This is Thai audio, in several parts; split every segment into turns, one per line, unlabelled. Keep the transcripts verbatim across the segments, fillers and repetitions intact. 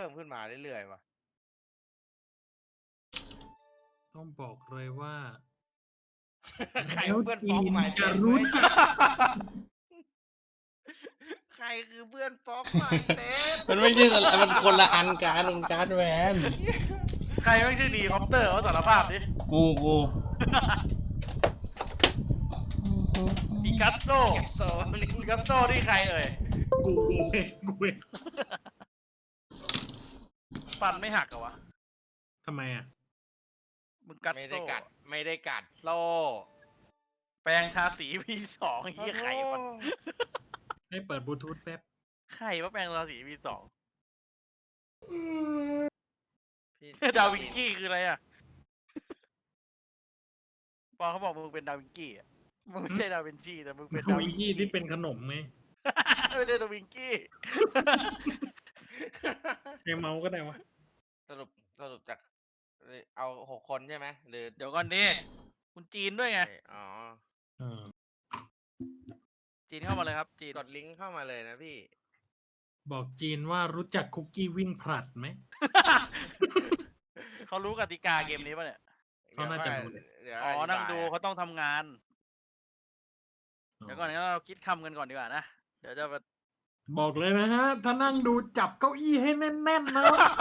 มขึ้นมาเรื่อยๆว่ะ
ต้องบอกเลยว่า
ใคร
แล้ว
เพื่อน
จี
ป๊อก
น
ใหม่
จะ
เต็ม
รู้
เว้ย
จัก
ใครคือเพื่อนป๊อกใหม่เต็ม
มันไม่ใช่สละมันคนละอันการมันการ์ดแวน
ใครไม่ชื่อดีคอปเตอร์เขาสารภาพดิ
กูกู
ปิกัสโซ
แกโซนี่
ปิกัสโซนี่ใครเอ่ย
กูกูเองกูเอง
ฟันไม่หักเหรอวะ
ทำไมอ่ะ
มึงกัด
ไม่
โซ่
ได้กัดไม่ได้กัดโซ่
แปลงทาสีพีสองเฮียไข่วะ
ให้เปิดบลูทูธแป๊บ
ไข่ว่าแปลงทาสีพีสอง
พี่
ดาวิงกี้คืออะไรอ่ะปอเขาบอกมึงเป็นดาวิงกี้อ่ะมึงไม่ใช่ดาวินชีแต่มึงเป็น
ท
ดา
วิ
วิ
ง
ง
กี้
กี้
ที่เป็นขนมไง
ไม่ใช่ดาวิงกี้
ใช้เมาส์ก็ได้วะ
สรุปสรุปจากเอาหกคนใช่ไหมหรือ
เดี๋ยวก่อนดิคุณจีนด้วยไง
อ๋อ
เออ
จีนเข้ามาเลยครับจีน
กดลิงก์เข้ามาเลยนะพี่
บอกจีนว่ารู้จักคุกกี้วิ่งผลัดไหม
เขารู้กติกาเกมนี้ป่ะเนี่ย
เขาน่าจะรู้
เดี๋ยว
อ๋อ
ธิบาย
นั่งดูเขาต้องทำงาน เดี๋ยวก่อนงั้นเราคิดคำกันก่อนดีกว่านะ เดี๋ยวจะมา
บอกเลยนะฮะ ถ้านั่งดูจับเก้าอี้ให้แน่นๆนะ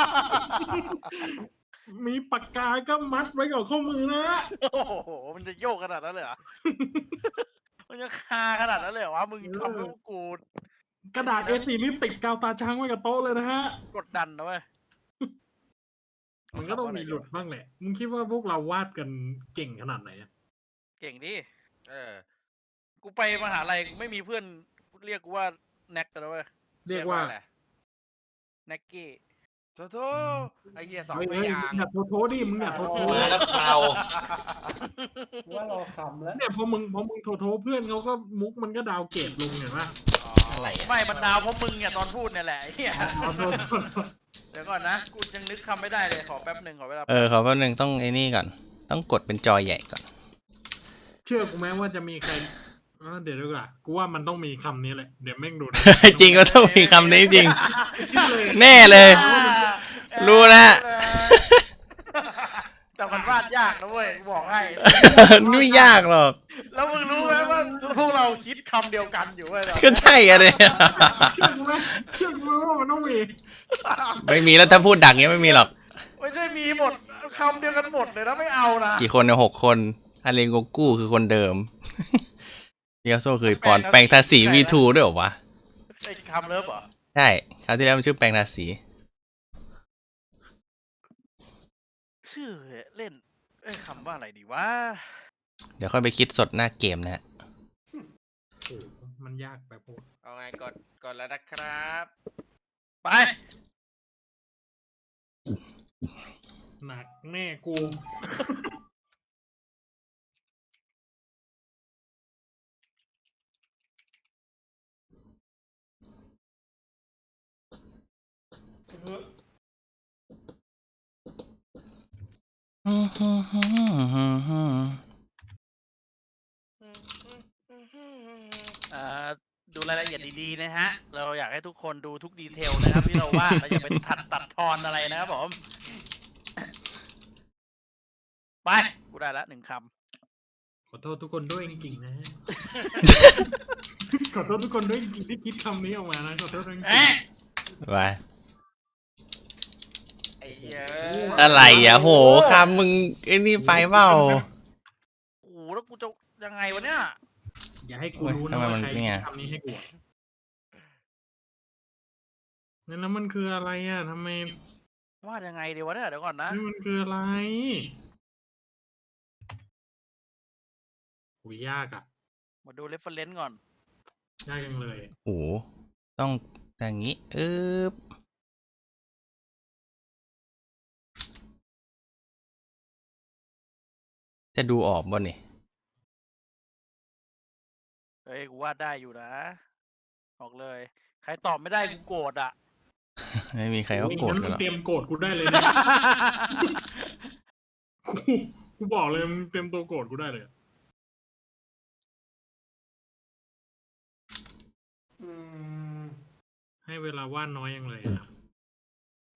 มีปากกาก็มัดไว้กับข้อมือนะ
โอ้โห มันจะโยกขนาดนั้นเลยเหรอ มันจะคาขนาดนั้นเลยเหรอวะ มึงทำให้พวกกู
กระดาษ เอ สี่ นี่ติดกาวตาช้างไว้กับโต๊ะเลยนะฮะ
กดดันนะเว้ย
มันก็ต้องมีหลุดบ้างแหละ มึงคิดว่าพวกเราวาดกันเก่งขนาดไหนอะ
เก่งดิ
เออ
กูไปมหาลัยไม่มีเพื่อนเรียกกูว่าแน็กกันแล้วเว้ย
เรียกว่า
อะไร
แน็กกี้
โทโทไอเหี้ยสอง
เฮ้ย
พ
เฮ้ย
ยา
มึ
ง
งอย่าโทโทดิมึงอย่าโทโท
มาแล้วคราว
ว่ารอคำแล้ว
เนี่ยพอมึงพอมึงโทโทเพื่อนเขาก็มุกมันก็ดาวเกรดลงเห็นปะ
อ๋อ
อะไรอ่ะ
ไม่มันดาวเพราะมึงเนี่ยตอนพูดเนี่ยแหละไอ้เหี้ย
อ๋อโทโท
เดี๋ยวก่อนนะ กูยังนึกคำไม่ได้เลยขอแป๊บหนึ่งขอเวลา
เออขอแป๊บนึงต้องไอ้นี่ก่อน ต้องกดเป็นจอใหญ่ก่อน
เชื่อกูไหมว่าจะมีใครเออเดี๋ยวดีกว่ากูว่ามันต้องมีคำนี้แหละ เดี๋ยวแม่งดูนะ
จริงก็ต้องมีคำนี้จริง
คิดเลย
แน่เลย รู้แล้ว
แต่มันวาดยากนะเว้ยกูบอกให้
ไม่ยากหรอก
แล้วมึงรู้ไหมว่าพวกเราคิดคำเดียวกันอยู่เว้ย
ก็ใช่อะเนี่ย
เชื่อกูไหมเชื่อกูไหมว่ามันต้องมี
ไม่มีแล้วถ้าพูดดังเงี้ยไม่มีหรอก
ไม่ใช่มีหมดคำเดียวกันหมดเลยนะไม่เอานะ
กี่คนเนี่ยหกคนอาเลงโกกู้คือคนเดิม เดียโซคือปอนแปลงทาสี วี ทู ด้วยเหรอวะ
ไอ้คำเลิฟเหรอ
ใช่ คราวที่แล้วมันชื่อแปลงทาสี
ชื่อเล่นเอ้ยคำว่าอะไรดีวะ
เดี๋ยวค่อยไปคิดสดหน้าเกมนะฮะ
โอ้โหมันยากไปพวก
เอาไงกดกดแล้วนะครับ
ไป
หนักแน่กู
อ่าดูรายละเอียดดีๆนะฮะ เราอยากให้ทุกคนดูทุกดีเทลนะครับ ที่เราวาดเราอย่าไปตัดตัดทอนอะไรนะครับผม ไป กูได้ละหนึ่งค
ขอโทษทุกคนด้วยจริงๆนะ ฮะ ขอโทษทุกคนด้วยจริงๆที่คิดคำนี้ออกมานะขอโทษจริง
ำเอ๊ะ
ไป
ไอ้เหี้ย
อะไรอ่ะโหคำมึงไอ้นี่ไปเปล่า
โอ้โหแล้วกูจะยังไงวะเนี่ย
ๆอย่าให้กูรู้
ทำ
นะ
ไม
ว่า
มัน
ใคร
เนี่
คิ
ย
ดคำนี้ให้กูอะนั่นแล้วมันคืออะไรอ่ะทำไม
วาดยังไงดีวะเนี่ย เดี๋ยวก่อนนะ
นี่มันคืออะไรโหยากอ่ะ
มาดูเรฟเฟอเรนซ์ก่อน
ยากจังเลย
โอ้โหต้องอย่างนี้อึ๊บจะดูออกบ่เนี่ย
เฮ้ย กูวาดได้อยู่นะ บอกเลย ใครตอบไม่ได้กูโกรธอ่ะ
ไม่มีใครเขาโกรธ
งั้น
กัน
มึ
ห
ง
รอก
เตรียมโกรธกูได้เลยนะ กูกูบอกเลยมึงเตรียมตัวโกรธกูได้เลย
อืม
ให้เวลาว่านน้อยยังเลยอะ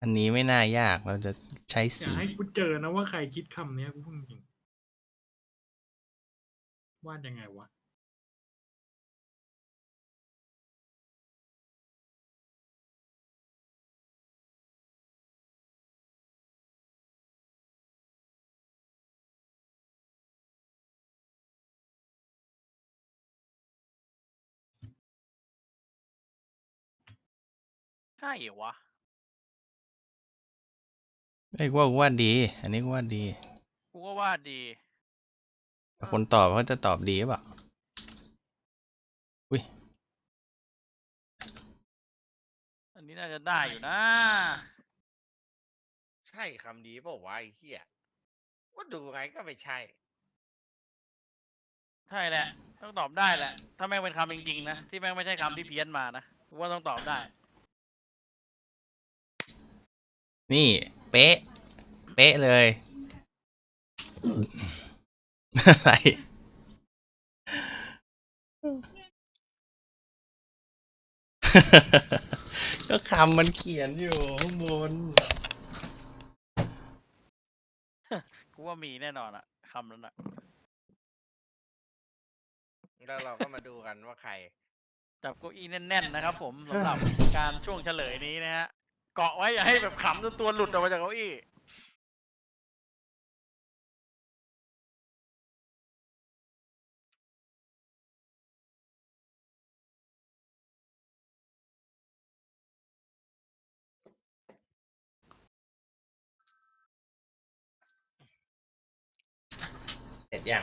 อันนี้ไม่น่ายากเราจะใช้
อย่า
สี
ให้กูเจอนะว่าใครคิดคำเนี้ยกูพูดจริงวาดยังไงวะ
ใช่เหรอวะ
ไอ้ยกูว่ากูวาดดี อันนี้กูวาดดี
กูก็วาดดี
แต่คนตอบเขาจะตอบดีหรือเปล่าอุ้ย
อันนี้น่าจะได้อยู่นะ
ใช่คำนี้เปล่าวะไอ้เหี้ยว่าดูไงก็ไม่ใช่
ใช่แหละ ต้องตอบได้แหละ ถ้าแม่งเป็นคำจริงๆนะ ที่แม่งไม่ใช่คำที่เพี้ยนมานะกูว่าต้องตอบได้
นี่ เป๊ะ เป๊ะเลย อะไร ก็คำมันเขียนอยู่ข้างบน
กูว่ามีแน่นอนอะคำนั้นอะ
แล้วเราก็มาดูกันว่าใคร
จับเก้าอี้แน่นๆนะครับผมสำหรับการช่วงเฉลยนี้นะฮะ เกาะไว้อย่าให้แบบขำจนตัวหลุดออกมาจากเก้าอี้
เสร็จยัง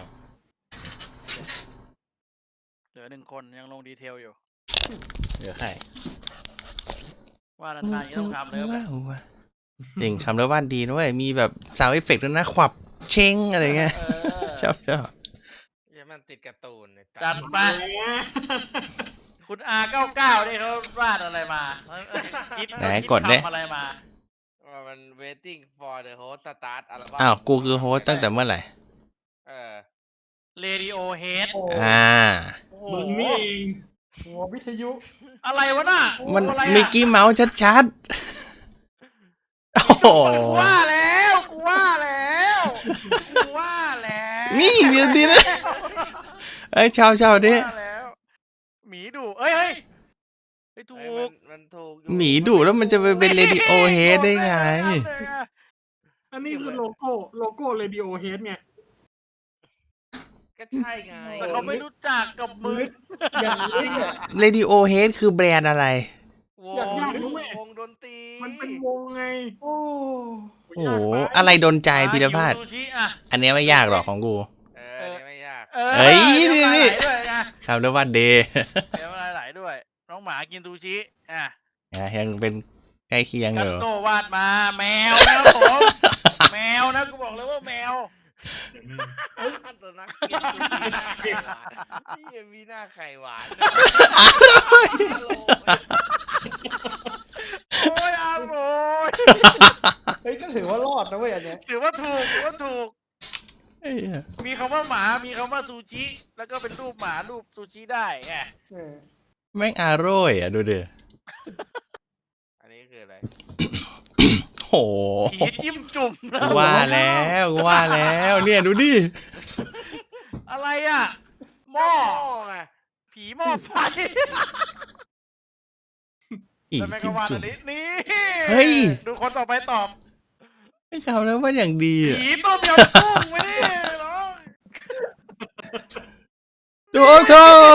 เหลือหนึ่งคนยังลงดีเทลอยู่
เหลือใคร
ว่านานๆก็ต้องทำเลยแบบ
ว้าวจริงทำแล้ววาดดีด้วย มีแบบซาวด์เอฟเฟกต์ด้วยนะ ขวับ เช้งอะไรเงี้ย
เออ
ชอบชอบ
เหี้ยมันติดการ์ตูนเนี่ย
จัดไป คุณอาเก้าเก้านี่เขาวาดอะไรมาคิด
ไหน
คิ
กดดิ
คำอะไรมา
ว่ามัน waiting for the host start อัลบั้ม
อ้าว กูคือโฮสต์ตั้งแต่เมื่อไหร่
เออ
เรดิโอเฮด
โอ้
อ่า
โอ้โห
มึงนี่เอง
หัววิทยุ
อะไรวะน่ะ
มัน
อะไรอะ
มิกกี้เมาส์ชัดๆ โอ้โห
กูว่าแล้วกูว่าแล้วกูว่าแล้ว
นี่เดี๋ยวดีนะ เอ้ยชาวชาวดิ
ว่าแล้วหมีดุเอ้ยเฮ้ยเฮ้ยถู
เอ้ย
ก
มันมันถูกอยู่
หมีดุแล้วมันจะไปเป็นเรดิโอเฮดได้ไง
อันนี้คือโลโก้โลโก้เรดิโอเฮดไง
ก็ใช่ไง
แต่เขาไม่รู้จักกับมึง
อย่างนี้เนี่ย
เรดิโอเฮดคือแบรนด์อะไร
ว
อยาก
ง
รู้
วงดนตรี
มันเป็นวงไง
โอ้
โอ้โห อะไรโดนใจพิรพาด
ยูซูชิอ่ะ
อันเนี้ยไม่ยากหรอกของกู
เออเนี่ยไม่ยาก
เออ
เอ้ย
เดี๋ว
นี่
มาไหลด้วยไง
ครับแล้วว่าเดย์
เดี๋ยวมาไหลด้วย น้องหมากินซูชิอ่ะ
ยังเป็นใกล้เคียงอ
กัส
ยู่
โซวาดมาแมวนะครับผมแมวนะกูบอกเลยว่าแมว
ตัวนักกินดูมีหน้าไข่หวานนี่ยังมีหน้าไข่หวานฮัลโหล
โอ้ยอาโรย
เฮ้ยก็ถือว่ารอดนะเว้ยอันเนี้ย
ถือว่าถูกถือว่าถูก
เอ้ย
มีคำว่าหมา มีคำว่าซูชิ แล้วก็เป็นรูปหมารูปซูชิได้ไง
เออ
แม่งอาโร่ยอ่ะ ดูดิ
อันนี้คืออะไร
โห
ผีจิ้มจุ่มนะ
กูว่าแล้วกูว่าแล้วเนี่ยดูดิ
อะไรอ่ะ หม้อ
ไง
ผีหม้อไฟ
อีก
แล้วแม่ง
จิ้
ก็
ม
วาด
จุ่
อั
ม
นนี้ นี่
เฮ้ย
ดูคนต่อไปตอบ
ไอ้คำแล้วว่าอย่างดีอ่ะ
ผีต้มยำกุ้งไม่ได้หรอ
ดูโถ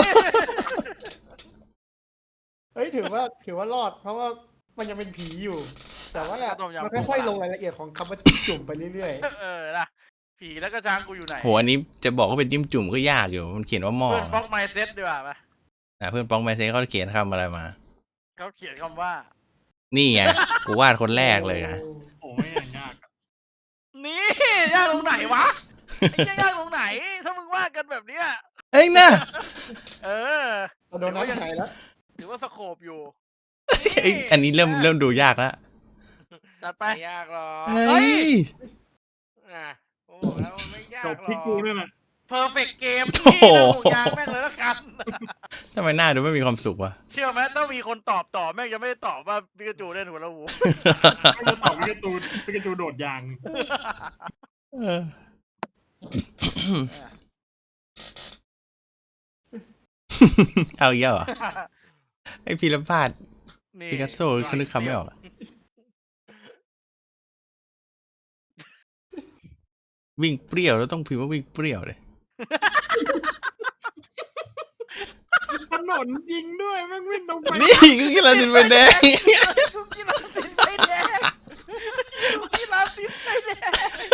เฮ้ยถือว่าถือว่ารอด เพราะว่ามันยังเป็นผีอยู่ แต่ว่า
ต้มยำ
มัน
กุ้ง
ค่อยๆลงรายละเอียดของคำว่าจุ่มไปเรื่อย
เออนะผีแล้วก็ช้างกูอยู่ไหน
โหอันนี้จะบอกว่าเป็นจิ้มจุ่มก็ยากอยู่ มันเขียนว่าหม้อ
เพื่อนบล็อกไมเซ็ตดีกว่าปะ
อ่ะเพื่อนป้องแมเซ่เขาเขียนคำอะไรมา
เขาเขียนคำว่า
นี่ไง กูวาดคน
ๆ
แรกเลยนะ
โอ้ไม่อย่างยากอะ
นี่ยากตรงไหนวะไอ้เหี้ยยากตรงไหน ถ้ามึงว่ากันแบบเนี้ย
เอ้ยนะ
เออ
โดนน้ำหายแล้ว
ถือว่าสโคปอยู่
เอ้ยอันนี้เริ่มเริ่มดูยากแล้ว
จัดไป
ไม่ยากหรอก
เฮ้ย
อ่ะผมบอกแล้วมันไม่ยา
จ
ก
บ
หร
ที่
อก
กูนั่นแหละ
เพอร์เฟกต์เกม
โอ้
ที่
โห
ระบุยางแม่งเลยละกัน
ทำไมหน้าดูไม่มีความสุขวะ
เชื่อไหมต้องมีคนตอบต่อแม่งจะไม่ได้ตอบว่าปิกาจูเล่นหัวละหู
ไม่จะตอบพิกาจูพิกาจูโดดยาง
เออ เอาอีกแล้วเหรอไอพีรพาด
นี่
พิกัสโซคือนึกคำไม่ออกอะวิ่งเปรี้ยวแล้วต้องพิมพ์ว่าวิ่งเปรี้ยวเลย
ถนนจริงด้วยแม่งวิ่งตรงไป
นี่คือกีฬาสินเป็นแดง
ทุกกีฬาติดไฟแดงทุกกีฬาติดไฟแดง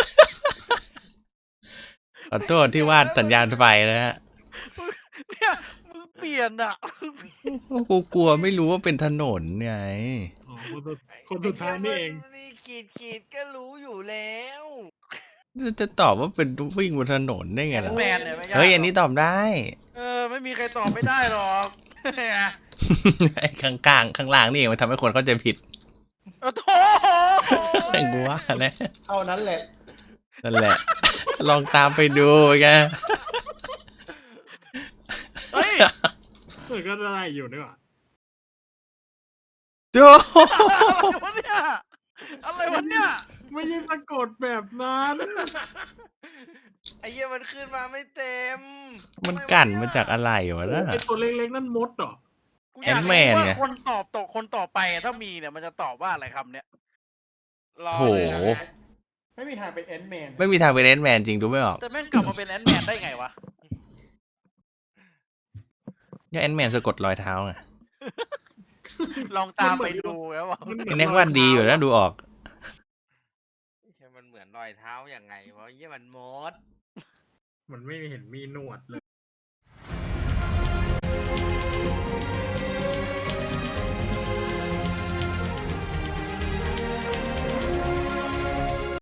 ขอโทษที่วาดสัญญาณไฟนะฮะ
เนี่ยมึงเปลี่ยนอ่ะ
กูกลัวไม่รู้ว่าเป็นถนนไง
อ๋อคนสุดคนสุดท้ายนี่เอง
นี่ขีดขีดก็รู้อยู่แล้ว
จะตอบว่าเป็นวิ่งบนถนนได้ไงล่ะ
แมนเนี่ยไม่ยาก
เฮ้ยอันนี้ตอบได้
เออไม่มีใครตอบไม่ได้หรอก
ไอ้ข้างกลางข้างล่างนี่เองมันทำให้คนเข้าใจผิด
โอ้โถ
ไอ้กูว่าแหละ
เท่านั้นแหละ
นั่นแหละ ลองตามไปดูไง
เฮ้ย
เออก็ได้อยู่ด้วยว่ะ
ดู
อะไรวะเนี่ยอะไรวะเนี่ย
ไม่ใช่สะกดแบบนั้น
ไอ้เหี้ยมันขึ้นมาไม่เต็ม
มันกั่นมาจากอะไรวะน่ะ
ไอตัวเล็กๆนั่นมดเหรอ
กูอยาก
แอนด์แม
รู้
นไง
ว่าคนตอบตกคนต่อไปอะถ้ามีเนี่ยมันจะตอบว่าอะไรคำเนี้ย
รอ
โห
เลยนะ
ไม่มีทางเป็นแอนด์แมน
ไม่มีทางเป็นแอนด์แมนจริงดูไม่ออก
แต่แม่งกลับมาเป็นแอนด์แมนได้ไงวะ
ก็แอนด์แมนสะกดรอยเท้าไง
ลองตามไปดูแล้วว่า
มันเหมื
ไอ้
อน
แน็กวาดดีอยู่นะดูออก
ไอ้เหี้ยมันเหมือนรอยเท้าอย่างไงวะไอ้เหี้ยมันมด
มันไม่เห็นมีหนวดเล